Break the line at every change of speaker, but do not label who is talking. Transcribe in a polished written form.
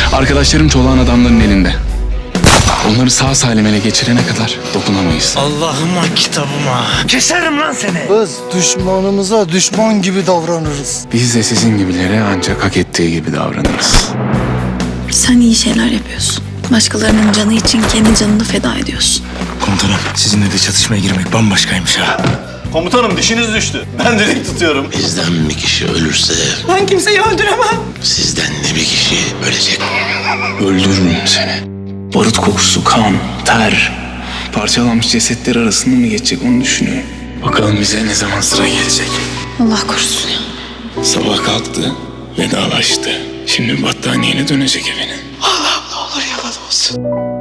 Arkadaşlarım çolağın adamların elinde. Onları sağ salim ele geçirene kadar dokunamayız.
Allah'ıma kitabıma. Keserim lan seni.
Biz düşmanımıza düşman gibi davranırız.
Biz de sizin gibilere ancak hak ettiği gibi davranırız.
Sen iyi şeyler yapıyorsun. Başkalarının canı için kendi canını feda ediyorsun.
Komutanım, sizinle de çatışmaya girmek bambaşkaymış ha.
Komutanım dişiniz düştü. Ben direkt tutuyorum.
Bizden bir kişi ölürse
Ben kimseyi öldüremem.
sizden de bir kişi ölecek.
Öldürürüm seni. Barut kokusu, kan, ter. Parçalanmış cesetler arasında mı geçecek onu düşünüyorum. Bakalım bize ne zaman sıra gelecek.
Allah korusun ya.
Sabah kalktı, vedalaştı. Şimdi battaniyeyle dönecek evine.
Allah'ım ne olur yalan olsun.